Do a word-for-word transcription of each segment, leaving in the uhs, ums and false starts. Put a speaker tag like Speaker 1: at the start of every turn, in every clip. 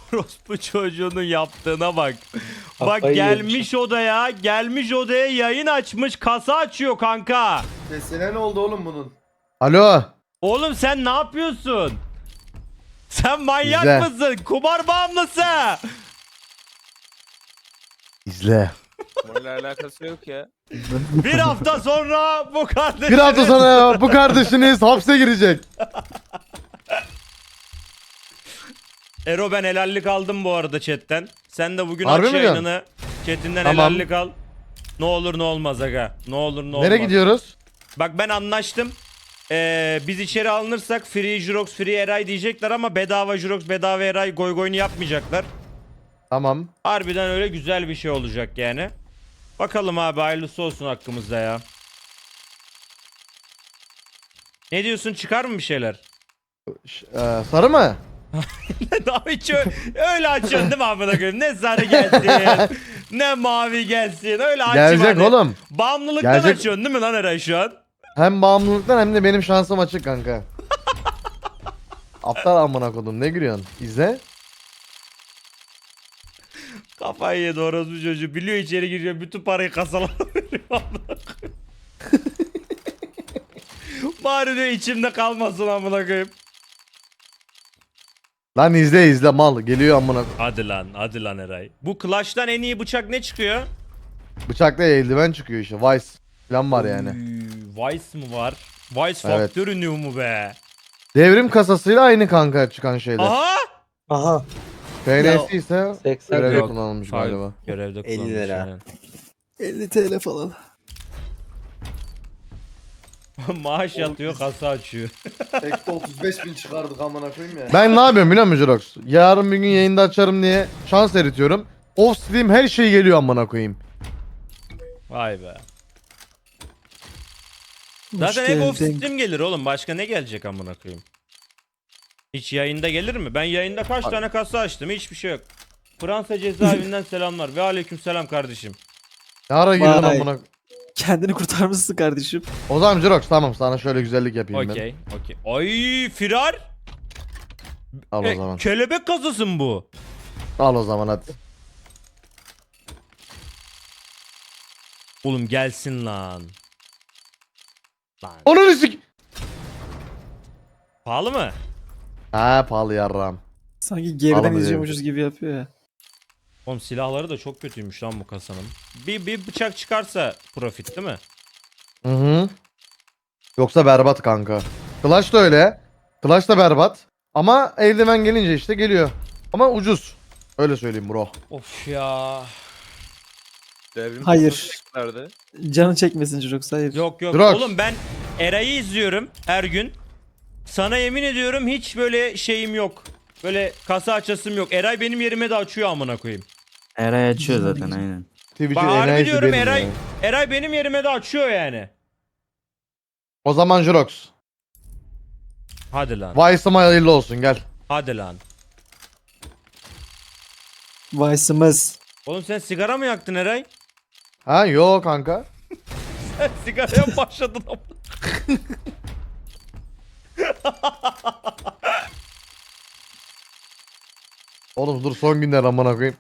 Speaker 1: Orospu çocuğunun yaptığına bak. Bak
Speaker 2: Kafayı
Speaker 1: gelmiş
Speaker 2: yemiş.
Speaker 1: odaya, gelmiş odaya yayın açmış, kasa açıyor kanka.
Speaker 3: Sesine ne oldu oğlum bunun?
Speaker 4: Alo.
Speaker 1: Oğlum sen ne yapıyorsun? Sen manyak
Speaker 4: İzle.
Speaker 1: mısın? Kumar bağımlısı.
Speaker 4: İzle.
Speaker 5: Bununla alakası yok ya.
Speaker 1: Bir hafta sonra bu kardeşiniz...
Speaker 4: Bir hafta sonra ya, bu kardeşiniz hapse girecek.
Speaker 1: Ero ben helallik aldım bu arada chatten. Sen de bugün
Speaker 4: Harbi
Speaker 1: aç
Speaker 4: mi
Speaker 1: yayınını. Chatinden
Speaker 4: Tamam.
Speaker 1: helallik al. Ne olur ne olmaz aga. Ne olur ne olmaz.
Speaker 4: Nereye gidiyoruz?
Speaker 1: Bak ben anlaştım. Ee, biz içeri alınırsak free Jurox free Eray diyecekler ama bedava Jurox bedava Eray goy goyunu yapmayacaklar.
Speaker 4: Tamam.
Speaker 1: Harbiden öyle güzel bir şey olacak yani. Bakalım abi hayırlısı olsun hakkımızda ya. Ne diyorsun, çıkar mı bir şeyler?
Speaker 4: Ş- e, sarı mı?
Speaker 1: Daha hiç ö- öyle açıyorsun değil mi amına koyayım? Ne sarı gelsin, ne mavi gelsin. Öyle açma.
Speaker 4: Gelecek
Speaker 1: hani.
Speaker 4: oğlum.
Speaker 1: Bağımlılıktan
Speaker 4: Gelecek.
Speaker 1: açıyorsun değil mi lan Eray şu an?
Speaker 4: Hem bağımlılıktan hem de benim şansım açık kanka. Aptal amına kodum, ne gülüyorsun? İzle.
Speaker 1: Kafayı yedi orospu çocuğu. Biliyor içeri giriyor. Bütün parayı kasalara veriyor. amına koyayım. Bari diyor içimde kalmasın amına koyayım.
Speaker 4: Lan izle izle mal. Geliyor amına.
Speaker 1: Hadi lan, hadi lan Eray. Bu Clash'tan en iyi bıçak ne çıkıyor?
Speaker 4: Bıçakla eldiven çıkıyor işte. Vice falan var yani.
Speaker 1: Oy, Vice mı var? Vice
Speaker 4: Evet.
Speaker 1: Factory New mu be?
Speaker 4: Devrim kasasıyla aynı kanka çıkan şeyler.
Speaker 1: Aha!
Speaker 2: Aha.
Speaker 4: P N S ise
Speaker 2: seksen
Speaker 4: görevde
Speaker 1: Yok.
Speaker 4: kullanılmış
Speaker 1: Hayır,
Speaker 4: galiba.
Speaker 1: Görevde
Speaker 2: elli
Speaker 1: kullanmış.
Speaker 2: lira.
Speaker 1: aynen.
Speaker 2: elli TL falan.
Speaker 1: Maaş yatıyor, kasa açıyor.
Speaker 3: Tekte otuz beş bin çıkardık amına koyayım ya.
Speaker 4: Ben ne yapıyorum biliyor musun Jirox? Yarın bir gün yayında açarım diye şans eritiyorum. Off stream her şey geliyor amına koyayım.
Speaker 1: Vay be. Zaten hep off stream gelir oğlum. Başka ne gelecek amına koyayım? Hiç yayında gelir mi? Ben yayında kaç
Speaker 4: Abi.
Speaker 1: tane kasa açtım? Hiçbir şey yok. Fransa cezaevinden selamlar ve aleyküm selam kardeşim.
Speaker 4: Ne ara girdin
Speaker 2: Vay.
Speaker 4: amına.
Speaker 2: Kendini kurtarmışsın kardeşim.
Speaker 4: O zaman Jirox tamam, sana şöyle güzellik yapayım ben.
Speaker 1: Okey, okey. Ay firar.
Speaker 4: Al
Speaker 1: E,
Speaker 4: o zaman.
Speaker 1: kelebek kasası mı bu?
Speaker 4: Al o zaman hadi.
Speaker 1: Oğlum gelsin lan. Lan.
Speaker 4: Onu sik.
Speaker 1: Pahalı mı?
Speaker 4: Ha pahalı yarram.
Speaker 2: Sanki geriden
Speaker 4: Alamıyorum.
Speaker 2: izliyormuşuz gibi yapıyor ya.
Speaker 1: Oğlum silahları da çok kötüymüş lan bu kasanın. Bir, bir bıçak çıkarsa profit değil mi?
Speaker 4: Hı hı. Yoksa berbat kanka. Clash da öyle. Clash da berbat. Ama eldiven gelince işte geliyor. Ama ucuz. Öyle söyleyeyim bro.
Speaker 1: Of ya.
Speaker 5: Devrim
Speaker 2: Hayır.
Speaker 5: kasası nerede?
Speaker 2: Canı çekmesin çocuk, hayır.
Speaker 1: Yok yok.
Speaker 4: Drox.
Speaker 1: Oğlum ben Eray'ı izliyorum her gün. Sana yemin ediyorum hiç böyle şeyim yok. Böyle kasa açasım yok. Eray benim yerime de açıyor amına koyayım.
Speaker 6: Eray açıyor zaten aynen.
Speaker 4: Twitch'in
Speaker 1: Bak harbi
Speaker 4: enayisi
Speaker 1: diyorum
Speaker 4: benim
Speaker 1: Eray.
Speaker 4: ya.
Speaker 1: Eray benim yerime de açıyor yani.
Speaker 4: O zaman Jirox.
Speaker 1: Hadi lan.
Speaker 4: Vice'ım hayırlı olsun gel.
Speaker 1: Hadi lan.
Speaker 2: Vice'ımız.
Speaker 1: Oğlum sen sigara mı yaktın Eray?
Speaker 4: Ha yo kanka.
Speaker 1: Sen sigaraya mı başladın ama.
Speaker 4: Oğlum dur son günler amına koyayım.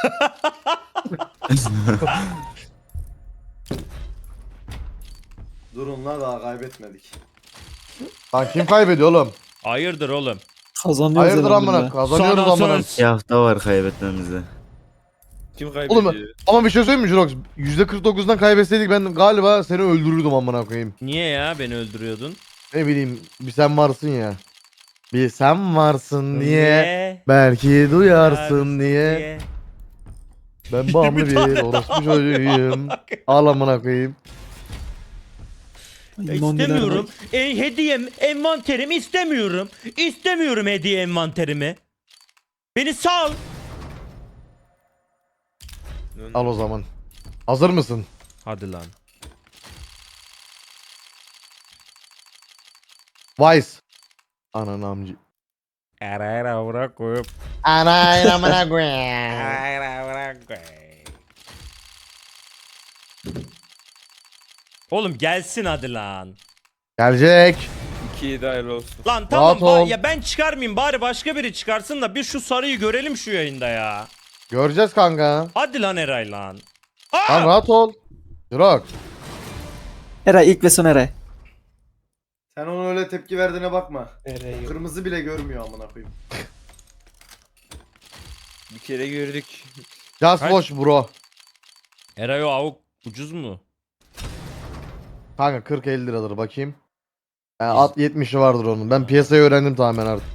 Speaker 3: Durun la daha kaybetmedik.
Speaker 4: Lan kim kaybediyor oğlum?
Speaker 1: Hayırdır oğlum?
Speaker 2: Kazanıyoruz
Speaker 4: Hayırdır
Speaker 2: elhamdülillah.
Speaker 4: amına kazanıyoruz
Speaker 1: Sana
Speaker 4: amına.
Speaker 1: söz.
Speaker 6: Bir hafta var kaybetmemize.
Speaker 5: Kim kaybediyor?
Speaker 4: Oğlum ama bir şey söyleyeyim mi Jirox? yüzde kırk dokuzdan kaybetseydik ben galiba seni öldürürdüm amına koyayım.
Speaker 1: Niye ya beni öldürüyordun?
Speaker 4: Ne bileyim bir sen varsın ya. Bir sen varsın diye. Belki duyarsın diye. Ben bağımlı bir orospu çocuğuyum. Al amına koyayım.
Speaker 2: Ay, nondiler
Speaker 1: İstemiyorum.
Speaker 2: bak.
Speaker 1: E, hediyem, envanterimi istemiyorum. İstemiyorum hediye envanterimi. Beni sal.
Speaker 4: Al o zaman. Hazır mısın?
Speaker 1: Hadi lan.
Speaker 4: Vice. Ananı amcı.
Speaker 1: Ara ara bırak koyup.
Speaker 4: Anayın amına koyayım.
Speaker 1: Ara bırak koyup. Oğlum gelsin hadi lan.
Speaker 4: Gelecek.
Speaker 5: iki yedi hayırlı olsun.
Speaker 1: Lan tamam
Speaker 4: Rahat
Speaker 1: ba-
Speaker 4: ol.
Speaker 1: ya ben çıkarmayayım bari başka biri çıkarsın da bir şu sarıyı görelim şu yayında ya.
Speaker 4: Göreceğiz kanka.
Speaker 1: Hadi lan Eray lan. Aa!
Speaker 4: Tamam rahat ol. Jirox.
Speaker 2: Eray ilk ve son Eray.
Speaker 3: Sen ona öyle tepki verdiğine bakma.
Speaker 5: Nereye?
Speaker 3: Kırmızı bile görmüyor amına koyayım.
Speaker 5: Bir kere gördük.
Speaker 4: Just
Speaker 1: Kaç?
Speaker 4: watch bro.
Speaker 1: Eray o avuk ucuz mu?
Speaker 4: Kanka kırk elli liradır bakayım. Yani at yetmişi vardır onun. Ben piyasayı öğrendim tamamen artık.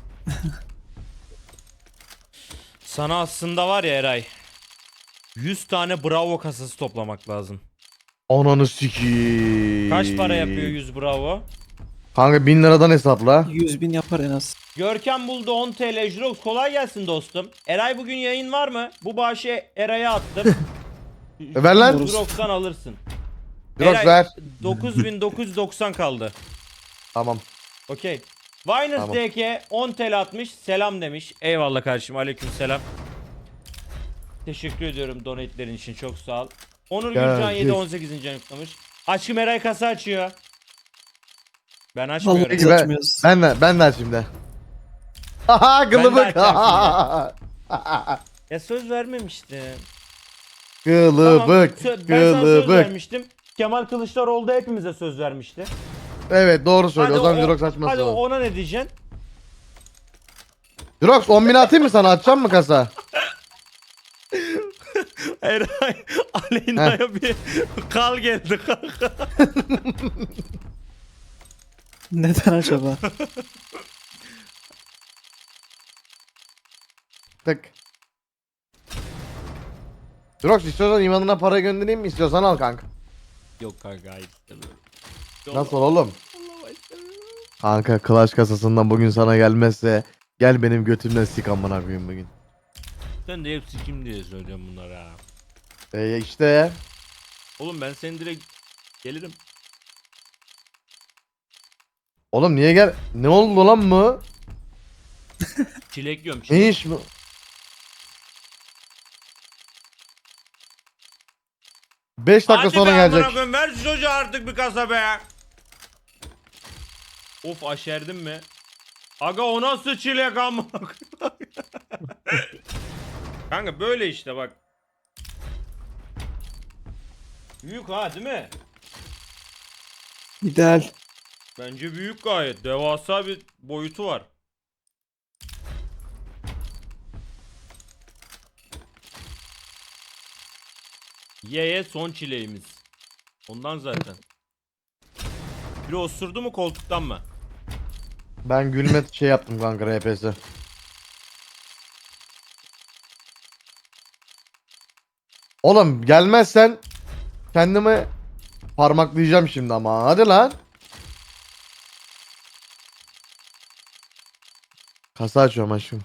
Speaker 1: Sana aslında var ya Eray. yüz tane bravo kasası toplamak lazım.
Speaker 4: Ananı sikiyim.
Speaker 1: Kaç para yapıyor yüz bravo?
Speaker 4: Kanka bin liradan hesapla.
Speaker 2: yüz bin yapar en az.
Speaker 1: Görkem buldu on T L. Jirox kolay gelsin dostum. Eray bugün yayın var mı? Bu bağışı Eray'a attım.
Speaker 4: E ver lan.
Speaker 1: Jirox'tan alırsın.
Speaker 4: Jirox
Speaker 1: Eray,
Speaker 4: ver.
Speaker 1: dokuz bin dokuz yüz doksan kaldı.
Speaker 4: Tamam.
Speaker 1: Okey. Viners
Speaker 4: Tamam.
Speaker 1: D K on T L atmış. Selam demiş. Eyvallah kardeşim. Aleyküm selam. Teşekkür ediyorum donatelerin için. Çok sağ ol. Onur
Speaker 4: Gel,
Speaker 1: Gülcan yedi
Speaker 4: git.
Speaker 1: on sekizinci yüklemiş. Aşkım Eray kasa açıyor. Ben
Speaker 2: Vallahi
Speaker 1: açmıyorum.
Speaker 2: biz
Speaker 4: ben-
Speaker 2: açmıyoruz.
Speaker 4: Ben de ben de açayım de. Haha
Speaker 1: Ben de
Speaker 4: kılıbık.
Speaker 1: Ya söz vermemiştim.
Speaker 4: Kılıbık.
Speaker 1: Tamam, sö- ben sana söz
Speaker 4: Kılıbık.
Speaker 1: vermiştim. Kemal Kılıçdaroğlu da hepimize söz vermişti.
Speaker 4: Evet doğru söylüyor. O zaman
Speaker 1: o-
Speaker 4: Jirox açması
Speaker 1: hadi
Speaker 4: lazım.
Speaker 1: ona ne diyeceksin?
Speaker 4: Jirox on bin atayım mı sana? Açacağım mı kasa?
Speaker 1: Eray Aleyna'ya bir kal geldi kanka.
Speaker 2: Neden acaba?
Speaker 4: Tık. Jirox istiyorsan imanına para göndereyim mi? İstiyorsan al kanka.
Speaker 1: Yok kanka hayır istemiyorum.
Speaker 4: Nasıl oğlum? Kanka Clash kasasından bugün sana gelmezse gel benim götümden sik amına koyayım bugün.
Speaker 1: Sen de hepsi kim diye söylüyorum bunlara ha.
Speaker 4: E işte.
Speaker 1: Oğlum ben seni direkt gelirim.
Speaker 4: Oğlum niye gel? Ne oldu lan bu?
Speaker 1: Çilek yiyorum
Speaker 4: Ne
Speaker 1: çilek.
Speaker 4: iş bu? beş dakika
Speaker 1: Hadi
Speaker 4: sonra
Speaker 1: be amına
Speaker 4: gelecek.
Speaker 1: koyayım, ver şu çocuğa artık bir kasa be. Of aşerdim mi? Aga o nasıl çilek amına koyayım? Kanka böyle işte bak. Büyük ha değil mi?
Speaker 2: İdeal.
Speaker 1: Bence büyük gayet. Devasa bir boyutu var. Ye ye son çileğimiz. Ondan zaten. Biri osurdu mu koltuktan mı?
Speaker 4: Ben gülme şey yaptım kanka R P S. Oğlum gelmezsen kendimi parmaklayacağım şimdi ama hadi lan. Kasa açıyorum aşkım.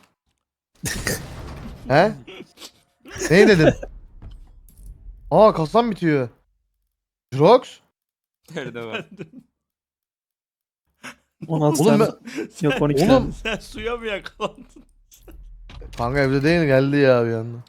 Speaker 4: He? Ne dedin? Aa kasam bitiyor. Jirox?
Speaker 5: Nerede var?
Speaker 2: on altı
Speaker 4: Oğlum
Speaker 2: tane.
Speaker 4: ben...
Speaker 2: Yok on iki
Speaker 4: Oğlum.
Speaker 2: tane.
Speaker 1: Sen suya mı yakalandın?
Speaker 4: Kanka evde değil geldi ya bir anda.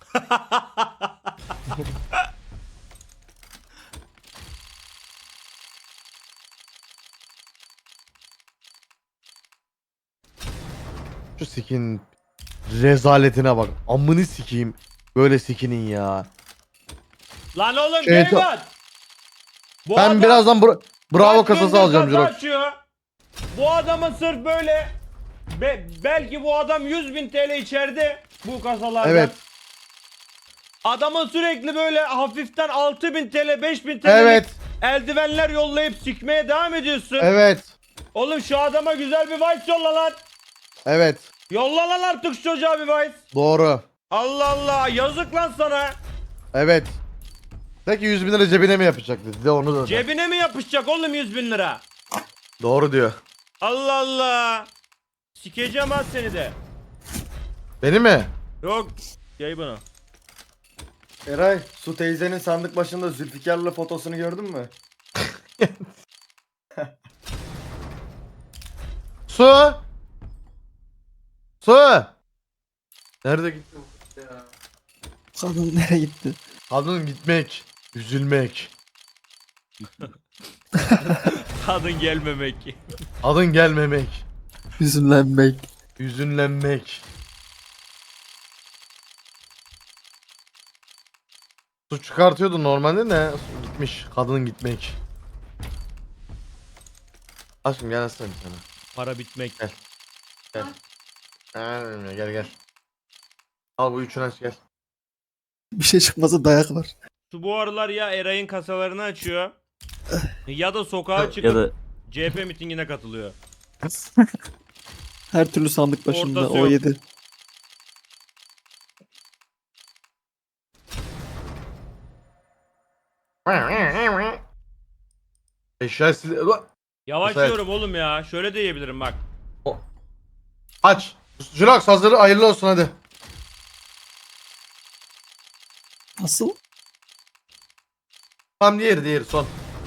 Speaker 4: Şu skin rezaletine bak. Amını sikeyim. Böyle skinin ya.
Speaker 1: Lan oğlum
Speaker 4: Şey,
Speaker 1: Geyman! Bu
Speaker 4: Ben
Speaker 1: adam
Speaker 4: birazdan bra- bravo
Speaker 1: kaç
Speaker 4: kasası
Speaker 1: gündür
Speaker 4: alacağım
Speaker 1: kasa
Speaker 4: Jirox.
Speaker 1: açıyor. Bu adamın sırf böyle be- belki bu adam yüz bin T L içeride bu kasalardan.
Speaker 4: Evet.
Speaker 1: Adamın sürekli böyle hafiften altı bin T L beş bin T L
Speaker 4: Evet.
Speaker 1: eldivenler yollayıp sikmeye devam ediyorsun.
Speaker 4: Evet.
Speaker 1: Oğlum şu adama güzel bir vice yolla lan.
Speaker 4: Evet.
Speaker 1: Yolla lan artık şu çocuğa bir vice.
Speaker 4: Doğru.
Speaker 1: Allah Allah yazık lan sana.
Speaker 4: Evet. Peki yüz bin lira cebine mi yapacak dedi. De onu da.
Speaker 1: Cebine mi yapışacak oğlum yüz bin lira?
Speaker 4: Doğru diyor.
Speaker 1: Allah Allah. Sikeceğim ha seni de.
Speaker 4: Beni mi?
Speaker 1: Yok. Gel bana.
Speaker 3: Eray, Su teyzenin sandık başında Zülfikar'la fotosunu gördün mü?
Speaker 4: Su. Su. Nerede gitti?
Speaker 2: Kadın nereye gitti?
Speaker 4: Kadın gitmek. Üzülmek.
Speaker 1: Kadın gelmemek.
Speaker 4: Adın gelmemek.
Speaker 2: Hüzünlenmek.
Speaker 4: Hüzünlenmek. Su çıkartıyordu normalde de gitmiş. Kadın gitmek. Aşkım gel aslan bir tane.
Speaker 1: Para bitmek.
Speaker 4: Gel. Gel. Gel gel gel. Al bu üçünü aç gel.
Speaker 2: Bir şey çıkmasa dayak var.
Speaker 1: Şu bu aralar ya Eray'ın kasalarını açıyor ya da sokağa çıkıp
Speaker 6: Ya da
Speaker 1: C H P mitingine katılıyor.
Speaker 2: Her türlü sandık başında
Speaker 1: Ortası
Speaker 2: o
Speaker 1: yok.
Speaker 2: yedi.
Speaker 4: Eşya sil...
Speaker 1: Yavaşlıyorum oğlum ya. Şöyle de yiyebilirim bak.
Speaker 4: Aç. Jirox hazır hayırlı olsun hadi.
Speaker 2: Nasıl?
Speaker 4: Tam diğeri diğeri son.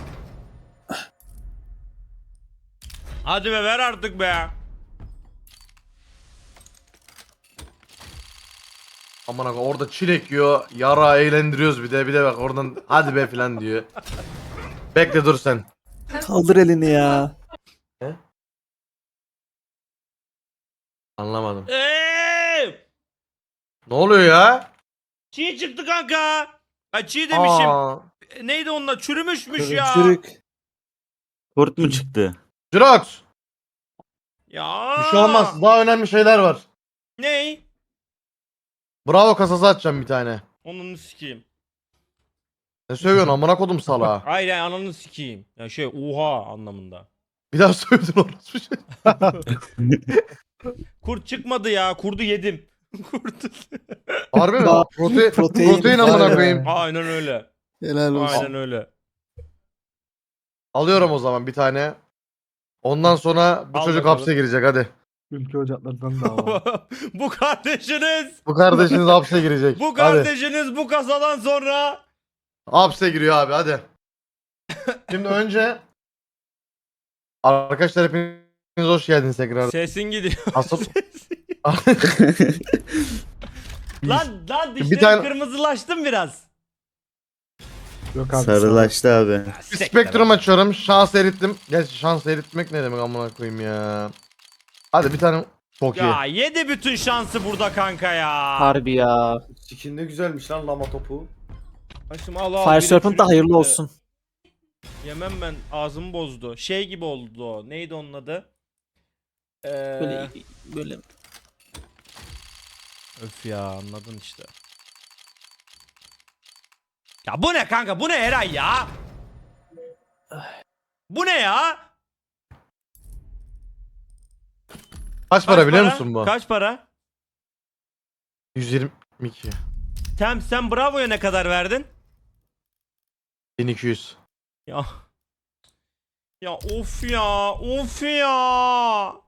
Speaker 1: Hadi be ver artık be.
Speaker 4: Aman abi orada çilek yiyor. Yara eğlendiriyoruz bir de bir de bak oradan hadi be filan diyor. Bekle dur sen.
Speaker 2: Kaldır elini ya.
Speaker 4: Anlamadım.
Speaker 1: Eee!
Speaker 4: Ne oluyor ya?
Speaker 1: Çiğ çıktı kanka. Ha çiğ demişim.
Speaker 4: Aa.
Speaker 1: E, Neydi onunla? Çürümüşmüş ya.
Speaker 2: Çürük.
Speaker 6: kurt mu çıktı?
Speaker 4: Jirox.
Speaker 1: Ya.
Speaker 4: Bir şey olmaz. Daha önemli şeyler var.
Speaker 1: Ney?
Speaker 4: Bravo kasası açacağım bir tane.
Speaker 1: Onunu sikeyim.
Speaker 4: Ne söylüyorsun amına kodum salağa.
Speaker 1: Hayır yani ananı sikeyim. Ya şey oha anlamında.
Speaker 4: Bir daha söyledin orası bir şey.
Speaker 1: Kurt çıkmadı ya. Kurdu yedim. Kurdu.
Speaker 4: Harbi mi?
Speaker 2: Daha
Speaker 4: Prote
Speaker 2: protein
Speaker 4: protein
Speaker 2: var
Speaker 4: amına
Speaker 2: ya.
Speaker 4: koyayım.
Speaker 1: Aynen öyle.
Speaker 2: Helal olsun.
Speaker 1: Aynen öyle.
Speaker 4: Alıyorum o zaman bir tane. Ondan sonra bu
Speaker 1: Al
Speaker 4: çocuk
Speaker 1: bakalım.
Speaker 4: hapse girecek hadi.
Speaker 2: Ülke ocaklarından dava.
Speaker 1: Bu kardeşiniz.
Speaker 4: Bu kardeşiniz hapse girecek.
Speaker 1: Bu
Speaker 4: Hadi.
Speaker 1: kardeşiniz bu kasadan sonra.
Speaker 4: Hapse giriyor abi hadi. Şimdi önce arkadaşlar hepiniz hoş geldiniz tekrar.
Speaker 1: Sesin gidiyor.
Speaker 4: Asıl
Speaker 1: Lan lan
Speaker 4: Bir
Speaker 1: dişlerim
Speaker 4: tane-
Speaker 1: kırmızılaştım biraz.
Speaker 2: Yok
Speaker 6: Sarılaştı abi.
Speaker 4: bir spektrum açıyorum. Şans erittim. Gerçi şans eritmek ne demek amına koyayım ya. Hadi bir tane çok iyi.
Speaker 1: Ya yedi bütün şansı burada kanka ya.
Speaker 2: Harbi ya.
Speaker 3: Skin de güzelmiş lan lama topu.
Speaker 1: Başım al al.
Speaker 2: Fire
Speaker 1: biri
Speaker 2: Serpent da hayırlı
Speaker 1: çürüktü.
Speaker 2: olsun.
Speaker 1: Yemem ben ağzımı bozdu. Şey gibi oldu o. Neydi onun adı? Ee,
Speaker 2: Böyle böyle
Speaker 1: Öf ya anladın işte. Ya bu ne kanka? Bu ne Eray ya? Bu ne ya?
Speaker 4: Kaç para biliyor musun bu?
Speaker 1: Kaç para?
Speaker 4: yüz yirmi iki.
Speaker 1: Tem sen Bravo'ya ne kadar verdin?
Speaker 4: bin iki yüz.
Speaker 1: Ya. Ya of ya, of ya.